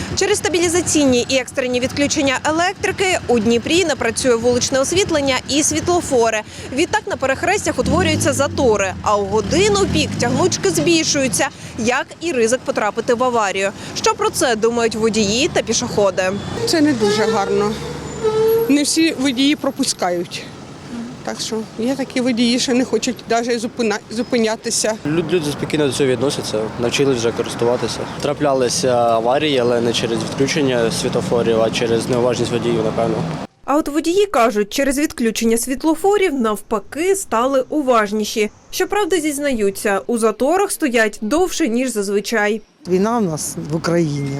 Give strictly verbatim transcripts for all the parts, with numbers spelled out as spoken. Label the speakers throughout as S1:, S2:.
S1: Через стабілізаційні і екстрені відключення електрики у Дніпрі не працює вуличне освітлення і світлофори. Відтак на перехрестях утворюються затори, а у годину пік тягнучки збільшуються, як і ризик потрапити в аварію. Що про це думають водії та пішоходи?
S2: Це не дуже гарно. Не всі водії пропускають. Так що є такі водії, що не хочуть навіть зупинятися.
S3: Люди спокійно до цього відносяться, навчились вже користуватися. Траплялися аварії, але не через відключення світлофорів, а через неуважність водіїв, напевно.
S1: А от водії кажуть, через відключення світлофорів навпаки стали уважніші. Щоправда, зізнаються, у заторах стоять довше, ніж зазвичай.
S4: Війна в нас в Україні.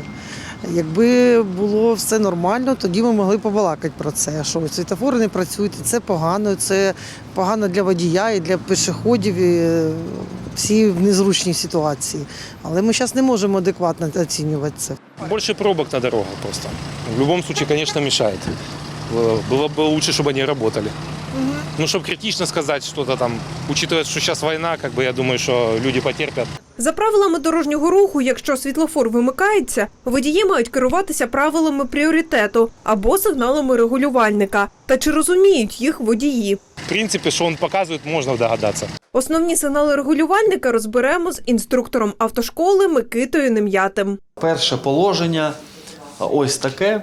S4: Якби було все нормально, тоді ми могли побалакати про це, що світлофори не працюють, і це погано, це погано для водія і для пішоходів, і всі в незручній ситуації. Але ми зараз не можемо адекватно оцінювати це.
S5: Більше пробок на дорогах просто. В будь-якому випадку, звісно, мешает. Было бы лучше, чтобы они работали. Угу. Ну, чтобы критично сказать что-то там, учитывая, что сейчас война, как бы я думаю, что люди потерпят.
S1: За правилами дорожнього руху, якщо світлофор вимикається, водії мають керуватися правилами пріоритету або сигналами регулювальника. Та чи розуміють їх водії?
S5: В принципі, що він показує, можна догадатися.
S1: Основні сигнали регулювальника розберемо з інструктором автошколи Микитою Нем'ятим.
S6: Перше положення ось таке.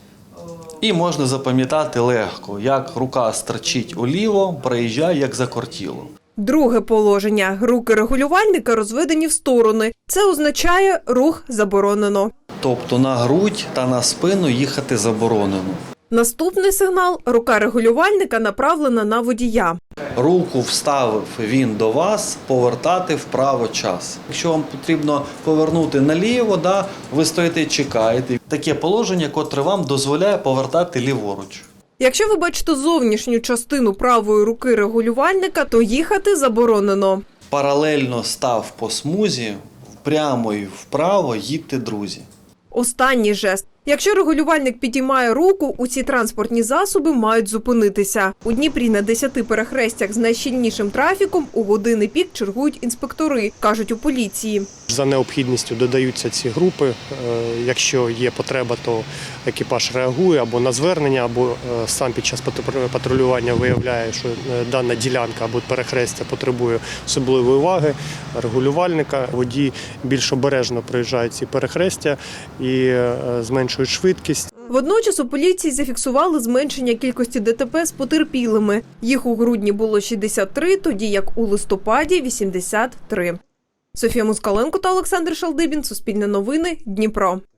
S6: І можна запам'ятати легко, як рука стерчить уліво, проїжджає, як закортіло.
S1: Друге положення. Руки регулювальника розведені в сторони. Це означає рух заборонено.
S6: Тобто на грудь та на спину їхати заборонено.
S1: Наступний сигнал – рука регулювальника направлена на водія.
S6: Руку вставив він до вас, повертати вправо час. Якщо вам потрібно повернути наліво, да, ви стоїте і чекаєте. Таке положення, котре вам дозволяє повертати ліворуч.
S1: Якщо ви бачите зовнішню частину правої руки регулювальника, то їхати заборонено.
S6: Паралельно став по смузі, прямо і вправо їдьте, друзі.
S1: Останній жест. Якщо регулювальник підіймає руку, усі транспортні засоби мають зупинитися. У Дніпрі на десяти перехрестях з найщільнішим трафіком у години пік чергують інспектори, кажуть у поліції.
S7: За необхідністю додаються ці групи. Якщо є потреба, то екіпаж реагує або на звернення, або сам під час патрулювання виявляє, що дана ділянка або перехрестя потребує особливої уваги регулювальника. Водії більш обережно проїжджають ці перехрестя і зменшують швидкість.
S1: Водночас у поліції зафіксували зменшення кількості ДТП з потерпілими. Їх у грудні було шістдесят три, тоді як у листопаді – вісімдесят три. Софія Москаленко та Олександр Шалдибін. Суспільне новини. Дніпро.